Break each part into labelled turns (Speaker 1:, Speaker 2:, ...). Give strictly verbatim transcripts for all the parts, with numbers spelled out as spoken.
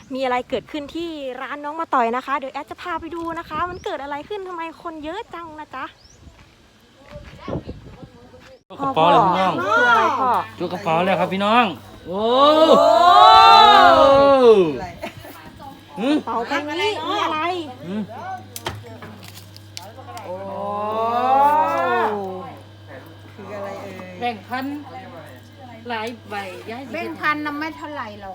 Speaker 1: มีอะไรเกิดขึ้นที่ร้านน้องมาต่อยนะคะเดี๋ยวแอดจะพาไปดูนะคะ มันเกิดอะไรขึ้นทำไมคนเยอะจังนะจ๊ะ
Speaker 2: กระเป๋าเลยพี่น้อง
Speaker 1: คืออะไรพ่อ
Speaker 2: จุกกระเป๋าเลยครับพี่น้องโอ้หืม
Speaker 1: เป๋าใบนี้มีอะไร
Speaker 2: หืม
Speaker 1: โอ้
Speaker 3: คืออะไรเอ่ย
Speaker 4: แบ่งพันหลายใบย้าย
Speaker 5: แบ่งพันน่ะไม่เท่าไหร่หรอก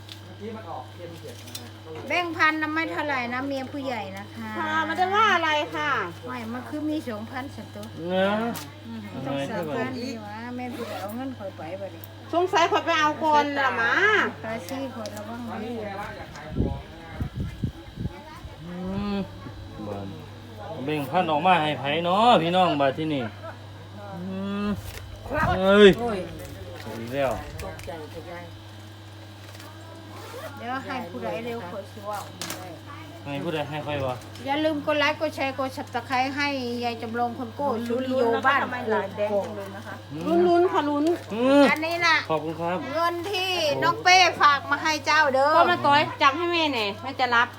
Speaker 5: แบ่งพันน่ะไม่เท่าไหร่นะเมียผู้ใหญ่นะคะ
Speaker 3: ค่ะไม่ได้ว่าอะไรค่ะ
Speaker 5: ไม่มันคือมีสองพันสัตว์ตัว
Speaker 2: เนื้อ
Speaker 5: ต้องสามพันดีวะแม่ผู้ใหญ่เอาเงินคอยไปบ่ดิ
Speaker 3: สงสัยขอยไปเอาก่อนละมา
Speaker 5: คาซี่คอยระวังดี
Speaker 2: อืมบานเบ่งพันออกมาให้ไผเนาะพี่น้องบาดที่นี่อืมเอ้ยอีกแล้ว
Speaker 5: เดี๋ยวให้ผู้ใดเร็วคอยสิเว่า
Speaker 2: ให้ผู้ใดให้ค่อยวะ
Speaker 5: อย่าลืมกดไลค์กดแชร์กดสับตะไคร้ให้ยายจำลองคนโก้ชุลิโยบ้านโกก
Speaker 3: ลุ้นลุ้นค่ะลุ้น
Speaker 2: อืม
Speaker 5: อันนี้น่ะ
Speaker 2: ขอบคุณครับ
Speaker 5: เงินที่น้องเป้ฝากมาให้เจ้าเด้อ
Speaker 3: ก็มาต่อยจับให้แม่หน่อยแม่จะรับ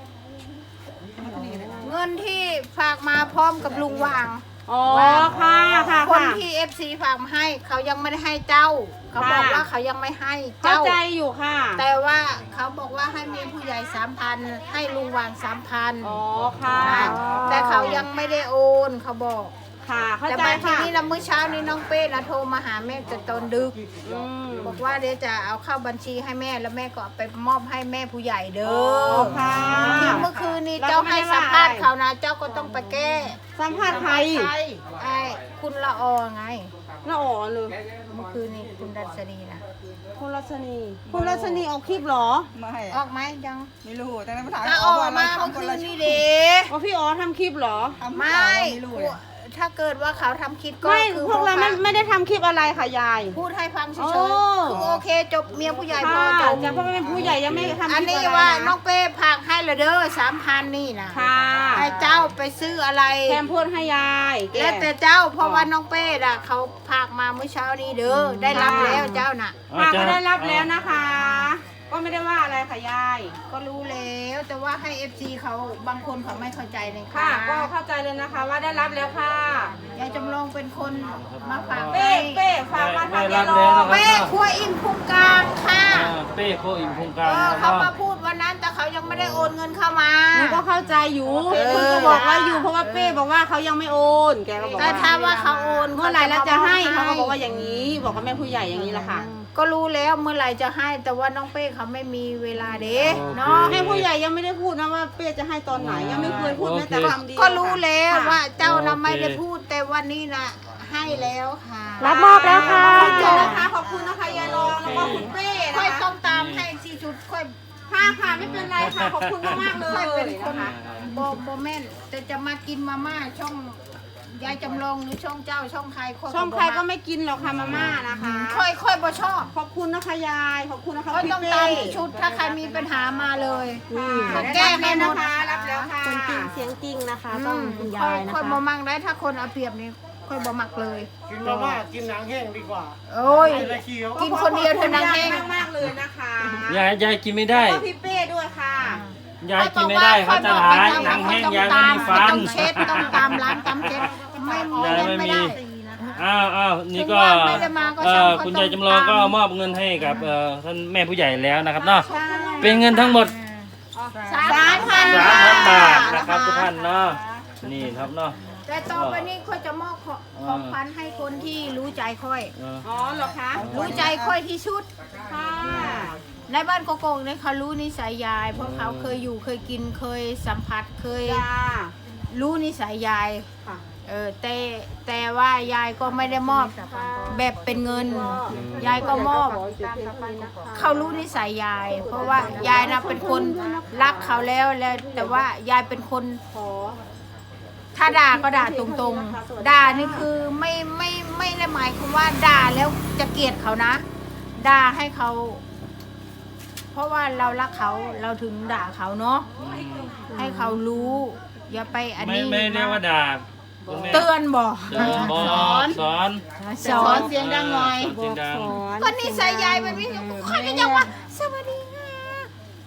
Speaker 5: เงินที่ฝากมาพร้อมกับลุงวาง
Speaker 3: อ๋อค่ะค่ะ
Speaker 5: คน
Speaker 3: ค่ะ
Speaker 5: ที่เอฟซีฝากมาให้เขายังไม่ได้ให้เจ้า เขาบอก
Speaker 3: ค่ะ
Speaker 5: ว่าเขายังไม่ให้
Speaker 3: เข้า
Speaker 5: เจ้า
Speaker 3: ใจอยู่ค่ะ
Speaker 5: แต่ว่าเขาบอกว่าให้เมียผู้ใหญ่สามพันให้ลุงวางสามพัน
Speaker 3: อ๋อค่ะ
Speaker 5: แต่เขายังไม่ได้โอนเขาบอก
Speaker 3: ค่ะเข้า
Speaker 5: แต่
Speaker 3: ใจ
Speaker 5: บางที
Speaker 3: ค่ะ
Speaker 5: นี้ละมื้อเช้านี้น้องเป้นะโทรมาหาแม่จะตอนดึก
Speaker 3: อืม
Speaker 5: บอกว่าเดี๋ยวจะเอาเข้าบัญชีให้แม่แล้วแม่ก็เอาไปมอบให้แม่ผู้ใหญ่เด้
Speaker 3: อ๋
Speaker 5: อ
Speaker 3: อค่ะ
Speaker 5: ที่เมื่อคืนนี้เจ้าให้สัมภาษณ์เขานะเจ้าก็ต้องไปแก้
Speaker 3: สัมภาษณ์ใคร
Speaker 5: ไอ้คุณละออไง
Speaker 3: ละอ๋อเลย
Speaker 5: เมื่อคืนนี้คุณดัชนีนะ
Speaker 3: คุณรัชนีคุณรัชนีออกคลิปเหรอ
Speaker 6: ไม่
Speaker 5: ออกไหมยัง
Speaker 6: ไม่รู้แต่ในภาษา
Speaker 5: ถ้าออกมาเมื่อคืนนี้เด้
Speaker 3: ว่าพี่อ๋อทำคลิปเหรอ
Speaker 5: ไม่
Speaker 6: ไม่รู้เลย
Speaker 5: ถ้าเกิดว่าเขาทำคลิปก็
Speaker 3: ไม่
Speaker 5: คือ
Speaker 3: พวกเราไม่ไม่ได้ทำคลิปอะไรค่ะยาย
Speaker 5: พูดให้ฟังเฉ
Speaker 3: โอ้
Speaker 5: ยๆคือโอเคจบเมียผู้ใหญ่พอ
Speaker 3: ค่ะ
Speaker 5: จบ
Speaker 3: จะเพราะเป็นผู้ใหญ่ยังไม่ทำคลิปอะไร
Speaker 5: อันนี้ว่าน้องเป้พากให้ละเด้อสามพันนี่นะ
Speaker 3: ค่ะ
Speaker 5: ให้เจ้าไปซื้ออะไร
Speaker 3: แถมพูดให้ยายก
Speaker 5: แล้วแต่เจ้าเพราะว่าน้องเป้น่ะเขาพากมาเมื่อเช้านี้เด้อได้รับแล้วเจ้าน่ะ
Speaker 3: ป้าก็ได้รับแล้วนะคะ ก็ไม่ได้ว่าอะไรค่ะยาย
Speaker 5: ก็รู้แล้วแต่ว่าให้ เอฟ ซี เขาบางคนเขาไม่เข้าใจเลย
Speaker 3: ค่ะ
Speaker 5: ค่ะ
Speaker 3: ก็เข้าใจเลยนะคะว่าได้รับแล้วค่ะ
Speaker 5: ยายจำลองเป็นคนมาฝาก
Speaker 3: เป้เป้ฝากมาทางยายรอ
Speaker 5: เป้ครัวอิ่มพุงกลางค่ะ
Speaker 2: อ่าเป้โคอิมโครงก
Speaker 5: เอ
Speaker 2: ลาง
Speaker 5: อ
Speaker 2: นะค
Speaker 5: เขา
Speaker 2: รับ
Speaker 5: มาพูดวันนั้นแต่เขายังไม่ได้โอนเงินเข้ามา
Speaker 3: หนูก็เข้าใจอยู่
Speaker 5: เออ
Speaker 3: คุณก็บอกว่าอยู่เพราะว่าเป้บอกว่าเขายังไม่โอนแกก็บอก
Speaker 5: แต่
Speaker 3: ว่า
Speaker 5: ถ้าว่าเขาโอน
Speaker 3: เมื่อไหร่แล้วจะให้
Speaker 5: เขา
Speaker 3: เขา
Speaker 5: จะ
Speaker 3: ก็บอกว่าอย่างนี้ บอกกับแม่ผู้ใหญ่อย่างนี้แหละค่ะ
Speaker 5: ก็รู้แล้วเมื่อไหร่จะให้แต่ว่าน้องเป้เขาไม่มีเวลาเด้เนาะ
Speaker 3: แม่ผู้ใหญ่ยังไม่ได้พูดนะว่าเป้จะให้ตอนไหนยังไม่เคยพูดแม้แต่คำเดียว
Speaker 5: ก็รู้แล้ว
Speaker 3: ค่ะ
Speaker 5: ว่าเจ้านะไม่ได้พูดแต่วันนี้นะให้แล้วค่ะ
Speaker 1: รับมอบแล้วค่ะ
Speaker 3: ขอบคุณนะคะขอบคุณนะคะยายรองแล้วก็คุณเป้
Speaker 5: ค่อย
Speaker 3: นะคะ
Speaker 5: ต้องตามให้สี่จุดค่อย
Speaker 3: ค่ะค่ะไม่เป็นไรค่ะขอบคุณมากๆเล
Speaker 5: ค่อย
Speaker 3: ย
Speaker 5: เป็นคน
Speaker 3: นะคะ
Speaker 5: โบโบแม่นแต่จะมากินมาม่าช่องยายจำลองหรือช่องเจ้าช่องใครค่อย
Speaker 3: ช่องใครก็ไม่กินหรอกค่ะมาม่านะคะ
Speaker 5: ค่อยค่อยบ่ชอบ
Speaker 3: ขอบคุณนะคะยายขอบคุณนะคะ
Speaker 5: ค่อย
Speaker 3: พี่
Speaker 5: ต้อง
Speaker 3: เป้
Speaker 5: ตามชุดถ้าใครมีปัญหามาเลย
Speaker 3: ค่ะ
Speaker 5: แก้ให้หมด
Speaker 3: นะคะรับแล้วค่ะ
Speaker 1: คนจริงเสียงจริงนะคะ
Speaker 5: อื
Speaker 1: ต้อง
Speaker 5: ม
Speaker 1: คุณ
Speaker 5: ค่
Speaker 1: ยา
Speaker 5: อย
Speaker 1: ยนะ
Speaker 5: ค่อย
Speaker 1: คะ
Speaker 5: บ่มักได้ถ้าคนเอาเปรียบนี่ค่อยบ่มักเลย
Speaker 7: กินมาม่ากินหนังแห้งดีกว่า
Speaker 5: โอ้ย
Speaker 7: อะไรเคี้ยว
Speaker 5: กินคนเดียวเท่านั้นเอง
Speaker 3: มากๆเลยนะคะ
Speaker 2: ยายยายกินไม่ได้
Speaker 3: แล้วก็พี่เป้ด้วยค่ะ
Speaker 2: ยายกินไม่ได้เขาจะหายหนังแห้งยายไม่มีฟัน
Speaker 5: ต้องเช็ดต้องตามล้างตามเช็ดไม่
Speaker 2: ยายไม่มี
Speaker 5: ได้
Speaker 2: อ้าวอ้าวนี่ก็
Speaker 5: ถึงว่าไม่ได้มาก็
Speaker 2: เอ่
Speaker 5: ช่าง
Speaker 2: อ
Speaker 5: เขา
Speaker 2: คุณ
Speaker 5: ต้อง
Speaker 2: ยายจำลองก็
Speaker 5: ตาม
Speaker 2: มอบเงินให้กับเอ่อท่านแม่ผู้ใหญ่แล้วนะครับเนาะ
Speaker 5: ใช่
Speaker 2: เป็นเงินทั้งหมด
Speaker 5: สามพัน
Speaker 2: สามพันบาทนะครับทุกท่านเนาะนี่ครับเนาะ
Speaker 5: แต่ต่อไปนี้ค่อยจะมอบของ
Speaker 2: อ่า
Speaker 5: ของขวัญให้คนที่รู้ใจค่อย
Speaker 2: เออ
Speaker 3: อ๋อเหรอคะ
Speaker 5: รู้ใจค่อยที่สุด
Speaker 3: ค่ะ
Speaker 5: ในบ้านโกโก้เนี่ยเขารู้นิสัยยาย เพราะเขาเคยอยู่เคยกินเคยสัมผัสเคย
Speaker 3: จ้า
Speaker 5: รู้นิสัยยาย
Speaker 3: ค่ะ
Speaker 5: เออแต่แต่ว่ายายก็ไม่ได้มอบแบบเป็นเงิน ยายก็มอบ เขารู้นิสัยยาย เพราะว่ายายนะเป็นคนรักเขาแล้วแล้ว แต่ว่ายายเป็นคน
Speaker 3: ขอ
Speaker 5: ถ้าด่าก็ด่าตรงๆ ด่านี่คือไม่ไม่ไม่ได้หมายความว่าด่าแล้วจะเกลียดเขานะ ด่าให้เขา เพราะว่าเรารักเขาเราถึงด่าเขาเนาะให้เขารู้ อย่าไปอัน
Speaker 2: ไม่
Speaker 5: นี้
Speaker 2: ไม่เรียกว่าด่าคุณแม่
Speaker 5: เตือนบอก
Speaker 2: เตือนบอกสอน
Speaker 5: สอนเสียงดังหน่อย
Speaker 2: เสียงดัง
Speaker 5: ก็นิสัยยายแบบนี้ค่อยก็ยังว่าสวัสดีค่ะมันบ่แม่น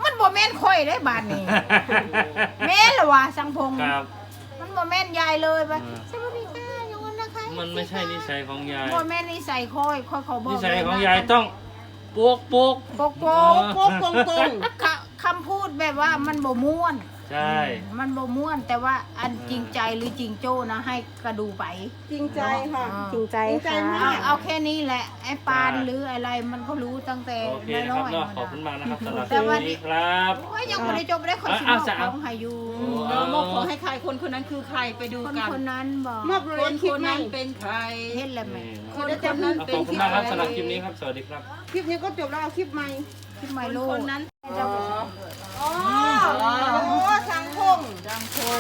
Speaker 5: นค่อยได้บาดนี้ แม่นเหรอวะสังพงษ์
Speaker 2: ครับ
Speaker 5: มันบ่แม่นยายเลยไป
Speaker 2: อ่า
Speaker 5: สวัสดีค่ะโยนนะคะ
Speaker 2: มันไม่ใช่นิสัยของยาย
Speaker 5: บ่แม่นนิสัยค่อยค่อยเขาบอก
Speaker 2: นิสัย
Speaker 5: เล
Speaker 2: ของ
Speaker 5: นะ
Speaker 2: ยายต้องโปกโปก
Speaker 5: โปกโปก
Speaker 3: โป๊กตรงตรง
Speaker 5: คคำพูดแบบว่ามันบ่ม่วน
Speaker 2: ใช่
Speaker 5: มันบ่ม่วน แต่ว่าอันจริงใจหรือจริงโจ้นะให้กระดูไป
Speaker 3: จริงใจค่ะ
Speaker 1: จริงใจ
Speaker 3: จริงใจ
Speaker 1: ค่ะ
Speaker 3: มาก
Speaker 5: เอาเอาแค่นี้แหละไอ้ปานหรืออะไรมันก็รู้ตั้งแต่
Speaker 2: โอเคนะค
Speaker 5: น้
Speaker 2: รั
Speaker 5: อบ ย
Speaker 2: เนาะ
Speaker 5: ๆ
Speaker 2: ขอบคุณมากนะครับสำหรับ
Speaker 5: แต่ว่า
Speaker 2: วันนี้ครับ
Speaker 5: โอ้ยยังไม่ได้จบได้คนสิ
Speaker 2: อ่ะ
Speaker 5: บ
Speaker 2: จะเอา
Speaker 5: ของให้อยู่
Speaker 3: เราบอกขอให้ใครคนคนนั้นคือใครไปดู
Speaker 5: คน
Speaker 3: กัน
Speaker 5: คนนั้นบอก
Speaker 3: มอบเลย
Speaker 7: คน
Speaker 3: คลิ
Speaker 7: ค
Speaker 3: ป
Speaker 7: น
Speaker 3: ไหม
Speaker 7: นั้นเป็นใคร
Speaker 5: เห็นแล้วไหม
Speaker 2: นี่
Speaker 3: คนนั้น
Speaker 2: เอาขอบคุณมากครับสำหรับคลิปนี้ครับ สวัสดีครับ
Speaker 3: คลิปนี้ก็จบแล้วเอาคลิปใหม่
Speaker 5: ที่ไมโล
Speaker 7: คนนั้น
Speaker 3: อ๋อโอ้สังคม
Speaker 7: ดังพง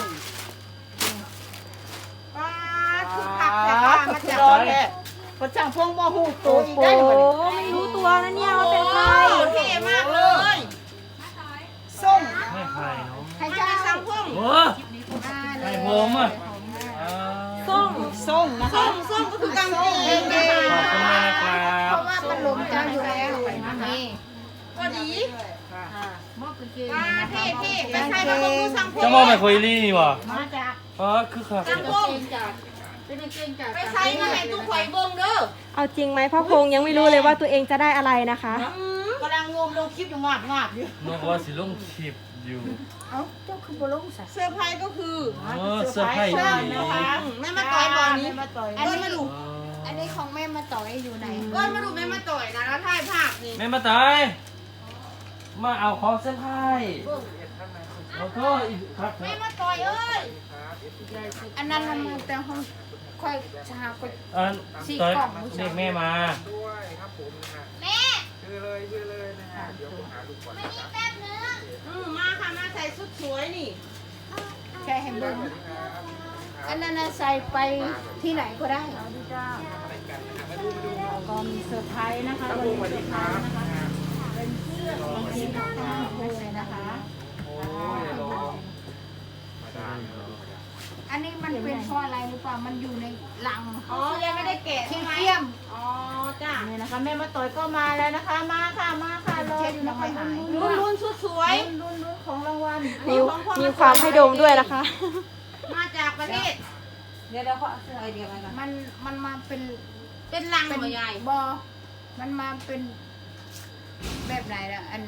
Speaker 3: ป้าคือผักแต่ว่ามาจาก
Speaker 7: ร้อนแหละพระช่างพงบ่หูตัวอีก
Speaker 1: โอ้
Speaker 7: ได้หมด
Speaker 1: ไม่รู้ตัวนะเนี่ยว่าเป็นใคร
Speaker 3: เท่มากเลยส้ม
Speaker 2: ไม่ใครเนาะ
Speaker 5: ให้
Speaker 3: มา
Speaker 5: เจ้า
Speaker 3: จากสังคม
Speaker 2: โอ้ใครผมอ่ะอ่า
Speaker 1: ส้ม
Speaker 7: ส้มนะคะ
Speaker 3: ส้มส้มก็คือกางเกง
Speaker 2: ขอบคุณมากนะครั
Speaker 5: เพ
Speaker 2: บ
Speaker 5: ราะว่ามันหลงเจ้าอยู่แล้วนี่
Speaker 3: ก็ดี
Speaker 5: มอบกางเกง
Speaker 3: ป้า
Speaker 5: นะ
Speaker 3: เท่
Speaker 5: คะ
Speaker 3: เท่ไปใส่มาบอกดูสังคม
Speaker 2: จะมองไปคุยลี่นี่วะ
Speaker 5: มาจาก
Speaker 2: อ๋อคือครับ
Speaker 3: สังคม
Speaker 5: เป็นกางเกงจาก
Speaker 3: ไปใส่มาให้ตู้ข่อยเบิ่งเด้อ
Speaker 1: เอาจริงไหมพ่อพงษ์ยังไม่รู้เลยว่าตัวเองจะได้อะไรนะคะ
Speaker 7: กำลังงมลงคลิปอยู่งาบงาบอยู่
Speaker 2: นกว่าสิลงคลิปอยู่
Speaker 5: เอ้าเจ้าคือบ่ลงซะ
Speaker 3: เสื้อร์ไพรส์ก็คือ
Speaker 2: เออเสื้อผ้า
Speaker 3: เสื้อ
Speaker 2: ดี
Speaker 3: นะคะแม่มาต่อยบอลนี้
Speaker 7: มาต่อย
Speaker 3: เอ้ยมาดู
Speaker 5: อันนี้ของแม่มาต่อยอยู่ไหน
Speaker 3: เอ้ยมาดูแม่มาต่อยนะแล้วถ่ายภาพนี่
Speaker 2: แม่มาตาย มาเอาของเสื้อผ้าแล้วก็อีกครับ
Speaker 3: แม่มาต่อยเอ้ย
Speaker 5: อันนั้นมันแต่ห้องค่อยชาค่อย
Speaker 2: อัน
Speaker 5: สี่
Speaker 2: ต่อย
Speaker 5: กล่องผู้ชาย
Speaker 2: เรียกแม่มา
Speaker 3: อืมมาค่ะมาใส่ชุดสวยนี่
Speaker 5: แค่ให้เบิ่งอันนั้นน่ะใส่ไปที่ไหนก็ได้
Speaker 3: ก็มีเซอร์ไพรส์นะคะวันนี้เซอร์ไพรส์นะคะ
Speaker 5: เป็นเสื้อของจริงนะคะเลยนะคะ อันนี้มันเป็นเพราะอะไรหรือเปล่ามันอยู่ในลัง
Speaker 3: อ๋อยังไม่ได้แกะ
Speaker 5: เขี้
Speaker 3: ใช่ไหม
Speaker 5: ยม
Speaker 3: อ๋อจ้า
Speaker 7: นี่นะคะแม่มาต่อยก็มาแล้วนะคะ มาค่ะมาค่ะรอ
Speaker 5: เช็ด
Speaker 7: อยู่
Speaker 5: ยั
Speaker 7: นะ
Speaker 5: ง
Speaker 7: คะ
Speaker 5: ไม่หาย
Speaker 3: รุ่นรุ่นชุดสวย
Speaker 7: ลุ้นลุ้นของรางวัล
Speaker 1: มีมีความให้ดมด้วยนะคะ
Speaker 3: มาจากประเทศ
Speaker 7: เดี๋ยวเดี๋ยวเขาเอาเสื้อไอเดียมาก่อน
Speaker 5: มันมันมาเป็น
Speaker 3: เป็นลัง
Speaker 5: เป็น
Speaker 3: หัวใหญ่
Speaker 5: บอมันมาเป็นแบบไหนล่ะอัน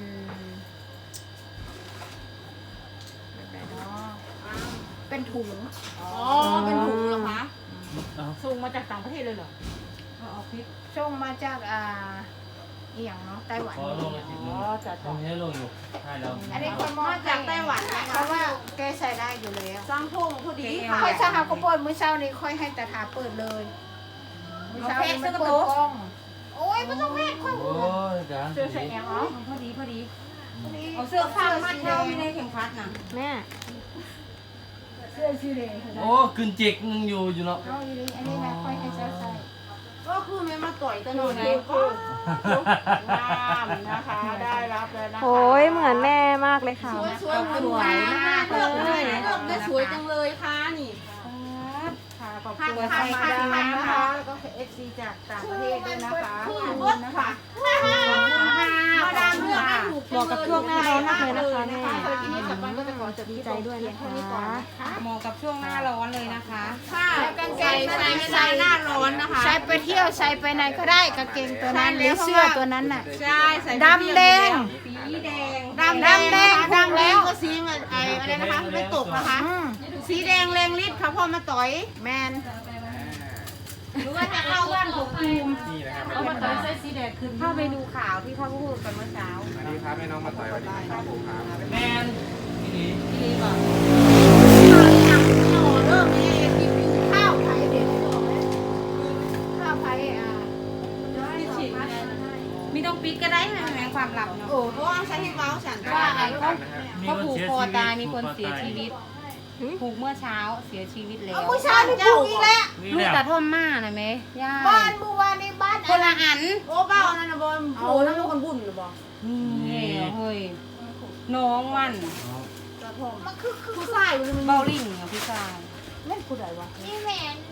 Speaker 5: แบบไหนเนาะเป็นถุง
Speaker 3: อ๋อเป็นถุงเหรอคะ
Speaker 2: เอา
Speaker 7: ส่งมาจากต่างประเทศเลยเหรอเอาเอาคลิป
Speaker 5: ส่งมาจากอ่าอหย่างเนาะไต้หวัน
Speaker 2: ขอลงอาทิตย์หนึ
Speaker 7: อ๋
Speaker 2: ง
Speaker 7: อจัด
Speaker 2: ผมให้ลงอยู่ใช่แล้ว
Speaker 5: อันนี้คนมอ
Speaker 3: มาจากไต้หวันนะ
Speaker 5: เพ
Speaker 3: คะ
Speaker 5: ราะว่าแกใส่ได้อยู่แล้ว
Speaker 3: สร้างพงพอดีค่ะ
Speaker 5: ค่อยถ้าหากเปิดมื้อเช้านี้ค่อยให้ตาถาเปิดเลยมื้อเช้านี้มันเปิดกล้องโอ้ยไม่ต้องแม่ค่อย
Speaker 2: โอ้ยจาน
Speaker 7: เสื้อใส่
Speaker 2: ดี
Speaker 7: แอลอ๋อพอดีพอดี
Speaker 3: เอาเสื้อผ้ามัดเท้าอยู่ในเข็มขัดน่ะ
Speaker 1: แม่
Speaker 5: เสื้อสีแดง
Speaker 2: โอ้กึนจิกนึงอยู่อยู่เนาะ
Speaker 5: เอาอยู่ดีอันนี้นะค่อยให้เจ้าใส่
Speaker 3: ก็คือแม่มาต่อยตะหนอนไง
Speaker 7: งามนะคะ ได้รับเลยนะคะ
Speaker 1: โอ้ยเหมือนแม่มากเลยค่ะ
Speaker 3: สวยสวยเหมือนฟ้ามากเลยเลือกได้สวยจังเลยค่ะนี่
Speaker 7: ค่ะขอบคุณไทยดามนะคะ แล้วก็เอฟซีจากต่างประเทศด้วยนะคะ
Speaker 3: คือ
Speaker 7: ขอบ
Speaker 3: เบ
Speaker 7: คุ
Speaker 3: ด
Speaker 7: ณนะ
Speaker 3: ค่ะ
Speaker 7: คะ
Speaker 3: มาดามเลือกให้ถูก
Speaker 1: เหมาะกับช่วงหน้าร้อนมากเลยนะคะแม่
Speaker 7: สำหรับที่นี่สัปดาห์ก็จะขอจบ
Speaker 1: ดี
Speaker 7: ที่
Speaker 1: ใจด้วยนะคะ
Speaker 7: เหมาะกับช่วงหน้าร้อนเลยนะคะ
Speaker 3: ค่ะใส่ใส่ใส่หน้าร้อนนะคะ
Speaker 5: ใส่ไปเที่ยวใส่ไปไหนก็ได้กางเกงตัวนั้นหรือเสื้อตัวนั้นน่ะ
Speaker 3: ใช่ใส่
Speaker 5: ดำแดง
Speaker 3: สีแดง
Speaker 5: ดำแดง
Speaker 3: ดำแดง
Speaker 5: ถูกแล้ว
Speaker 3: ก็สีมันไออะไรนะคะไม่ตกนะคะ
Speaker 5: อืม
Speaker 3: สีแดงแรงฤทธิ์ค่ะพอมาต่อย
Speaker 5: แมน
Speaker 3: หรือว่าถ้าเข้าบ้านผมภูมิ
Speaker 7: เอามาต่อยใส่สีแดงขึ้น
Speaker 3: เข้าไปดูข่าวที่เขาพูดกันเมื่อเช้า
Speaker 6: สวัสดีครับแม่น้องมาต่อยสวัสดีครับผมครับ
Speaker 2: แมนนี่
Speaker 3: ดีป่ะเริ่มมีกิน
Speaker 5: ข้าวไผ่เด็ดข้าวไผ่อ่า
Speaker 3: มีต้องปิดก็ได้ให้แหงความลับเนาะโอ้เพราะว่าใช้ให้เว้าฉัน
Speaker 6: ว่าไอ้ก็
Speaker 2: เขาผูกคอตายมีคนเสียชีวิต
Speaker 8: ผูกเมื่อเช้าเสียชีวิตแล้
Speaker 5: เอา
Speaker 8: ว
Speaker 5: ผู้ชายไปปลูกอีกแล้ว
Speaker 2: นี่
Speaker 8: ลูก
Speaker 2: แหละ
Speaker 8: ตาท่อมมาน่ะไหมย่า
Speaker 5: บ้านเมื่อวานนี้บ้าน
Speaker 8: คนละอัน
Speaker 3: โอ้เบ้านั่นนะบอลโอ้นั่นเป็นคนบุญหรือเปล่า
Speaker 8: นี่เฮ้ยน้องมัน
Speaker 5: มันคือคือ
Speaker 3: ผู้ชายมัน
Speaker 8: เบาลิ่งอ่ะพี่ชาย
Speaker 5: เล่นผู้ใดวะนี่แม่น